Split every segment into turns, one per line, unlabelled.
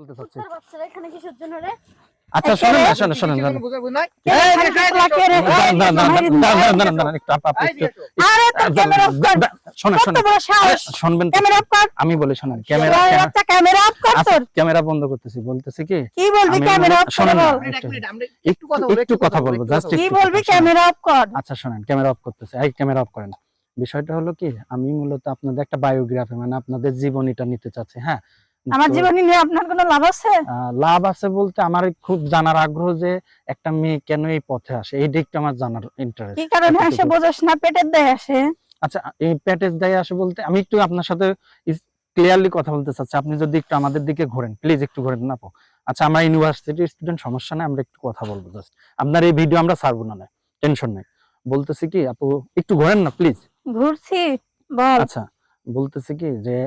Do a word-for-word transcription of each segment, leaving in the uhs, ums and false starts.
বলতে চাচ্ছি।
তোর বাচ্চারা এখানে কিসের জন্য রে?
আচ্ছা শুনুন না, শুনুন শুনুন শুনুন।
বুঝাবো না।
এই দাঁড়ান দাঁড়ান দাঁড়ান দাঁড়ান দাঁড়ান একটু আপা আপনি একটু
আরে তোর ক্যামেরা অফ কর।
শুনুন
কত
শুনুন
বড় সাহস?
শুনবেন তো।
ক্যামেরা অফ কর।
আমি বলি শুনুন, ক্যামেরা
ওই বাচ্চা ক্যামেরা অফ কর তোর।
ক্যামেরা বন্ধ করতেছি। বলতেছি কি
কি বলবি
আমি
ক্যামেরা অফ
শুনুন
কর
না,
বল।
এক মিনিট আমরা
একটু একটু কথা বলবো জাস্ট
কি বলবি ক্যামেরা অফ কর।
আচ্ছা শুনেন, ক্যামেরা অফ করতেছে। এই ক্যামেরা অফ করেন। বিষয়টা হলো কি, আমি মূলত আপনাদের একটা বায়োগ্রাফি মানে আপনাদের জীবনীটা নিতে চাচ্ছি। হ্যাঁ,
আমার
তো,
জীবনী নিয়ে আপনার কোনো লাভ আছে?
আহ, লাভ আছে বলতে আমার খুব জানার আগ্রহ যে একটা মেয়ে কেন এই পথে আসে, এই দিকটা আমার জানার ইন্টারেস্ট।
কি কারণে আসে বোঝাস না? পেটের দায়ে আসে।
আচ্ছা, এই প্যাটেজ দায়ে আসে বলতে আমি একটু আপনার সাথে ক্লিয়ারলি কথা বলতে চাচ্ছি। আপনি যদি একটু আমাদের দিকে ঘোরেন, প্লিজ একটু ঘোরেন না আপু। আচ্ছা, আমরা ইউনিভার্সিটির স্টুডেন্ট, সমস্যা নেই, আমরা একটু কথা বলবো জাস্ট। আপনার এই ভিডিও আমরা ছাড়বো না, না টেনশন নেই। বলতেছি কি আপু, একটু ঘোরেন না প্লিজ।
ঘুরছি বল।
আচ্ছা, বলতেছি কি যে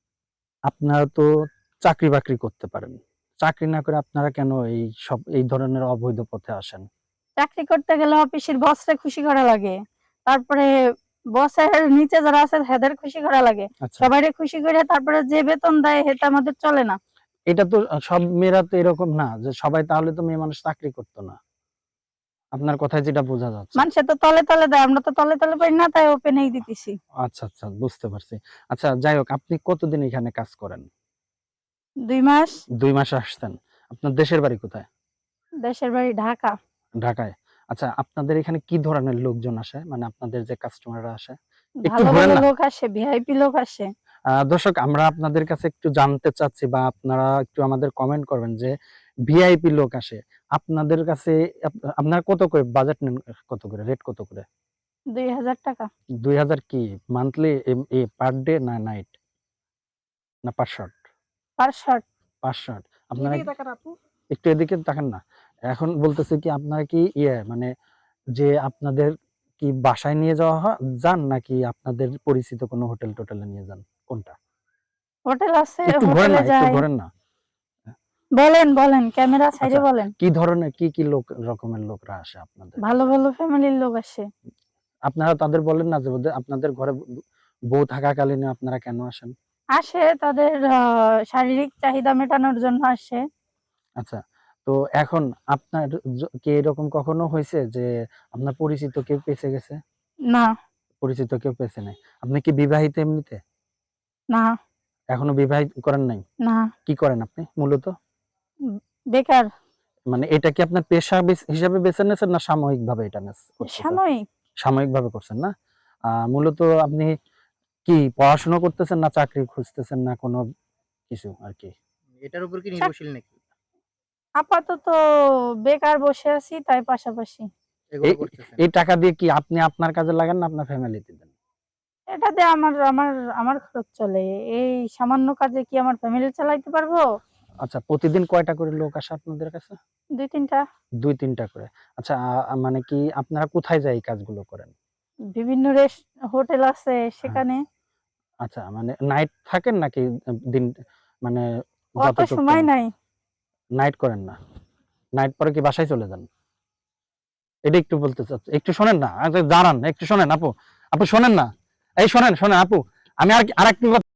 আপনারা তো চাকরি বাকরি করতে পারেন, চাকরি না করে আপনারা কেন এই সব এই ধরনের অবৈধ পথে আসেন?
চাকরি করতে গেলে অফিসের বসরে খুশি করা লাগে, তারপরে বসের নিচে যারা আছে হেদের খুশি করা লাগে,
আচ্ছা,
সবাইরে খুশি করে তারপরে যে বেতন দেয় সেটা আমাদের চলে না।
এটা তো সব মেয়েরা তো এরকম না যে সবাই, তাহলে তো মেয়ে মানুষ চাকরি করতো না। আপনার কথায় যেটা বোঝা যাচ্ছে।
মানুষে তো তলে তলে দেয়, আমরা তো তলে তলে পাই না, তাই ওপেনেই দিতেছি।
আচ্ছা আচ্ছা, বুঝতে পারছি। আচ্ছা যাই হোক, আপনি কতদিন এখানে কাজ করেন?
দুই মাস।
দুই মাস আসছেন। আপনার দেশের বাড়ি কোথায়?
দেশের বাড়ি ঢাকা।
ঢাকায়। আচ্ছা, আপনাদের এখানে কি ধরনের লোকজন আসে, মানে আপনাদের যে কাস্টমাররা আসে? একটু
ভালো
ঘোরেন
ভালো
না।
লোক আসে, ভিআইপি লোক আসে।
আহ, দর্শক, আমরা আপনাদের কাছে একটু জানতে চাচ্ছি বা আপনারা একটু আমাদের কমেন্ট করবেন যে ভিআইপি লোক আসে আপনাদের কাছে, আপ- আপনারা কত করে বাজেট নেন, কত করে রেট, কত করে?
দুই হাজার টাকা।
দুই হাজার কি মান্থলি, পার ডে না নাইট না per shot?
Per shot.
Per shot. আপনারা
এদিকে তাকান আপু।
একটু এদিকে তাকান না। এখন বলতেছে কি, আপনারা কি ইয়ে মানে যে আপনাদের কি বাসায় নিয়ে যাওয়া হয় যান, নাকি আপনাদের পরিচিত কোনো হোটেল টোটেলে নিয়ে যান, কোনটা?
হোটেল আছে,
একটু ঘোরেন
হোটেলে
না, একটু
যাই।
ঘোরেন না।
বলেন বলেন, ক্যামেরা সাইডে
আচ্ছা,
বলেন।
কি ধরনের কি কি লোক রকমের লোকরা আসে আপনাদের
ভালো
কাছে?
ভালো ফ্যামিলির লোক আসে।
আপনারা তাদের বলেন না যে ওদের- আপনাদের ঘরে বউ থাকাকালীন আপনারা কেন আসেন?
আসে তাদের আহ, শারীরিক চাহিদা মেটানোর জন্য আসে।
আচ্ছা, তো এখন আপনার জ- কি এরকম কখনো হয়েছে যে আপনার পরিচিত কেউ পেছে গেছে?
না।
পরিচিত কেউ পেছে নাই? আপনি কি বিবাহিত এমনিতে?
না।
এখনো বিবাহিত করেন নাই?
না।
কি করেন আপনি মূলত?
উম, বেকার।
মানে এটা কি আপনার পেশা বেছ- হিসাবে বেছে নিয়েছেন না সাময়িক ভাবে এটা নেস- করতেছেন?
সাময়িক।
সাময়িক ভাবে করছেন না? আহ মূলত আপনি কি পড়াশোনা করতেছেন না চাকরি খুঁজতেছেন না কোনো কিছু আর কি?
এটার উপর কি নির্ভরশীল নাকি
আপাতত বেকার বসে আছি, তাই পাশাপাশি
এগুলো
এই
করতেছেন?
এই টাকা দিয়ে কি আপনি আপনার কাজে লাগান না আপনার ফ্যামিলিতে দেন?
এটা দিয়ে আমার আমার আমার খরচ চলে। এই সামান্য কাজে কি আমার ফ্যামিলি চালাইতে পারবো?
আচ্ছা, প্রতিদিন কয়টা করে লোক আসে আপনাদের কাছে?
দুই তিনটা।
দুই তিনটা করে। আচ্ছা, আ মানে কি আপনারা কোথায় যাই এই কাজগুলো করেন?
বিভিন্ন রেস্ট হোটেল আছে
হ্যাঁ।
সেখানে।
আচ্ছা, মানে নাইট থাকেন নাকি দিন, মানে
অত
যতটুকু
সময় নাই।
নাইট করেন না? নাইট পরে কি বাসায় চলে যান? এটা একটু বলতে চাচ্ছি, একটু শোনেন না, আচ্ছা, দাঁড়ান একটু শোনেন আপু, আপু শোনেন না, এই শোনেন শোনেন আপু, আমি আর আরেকটু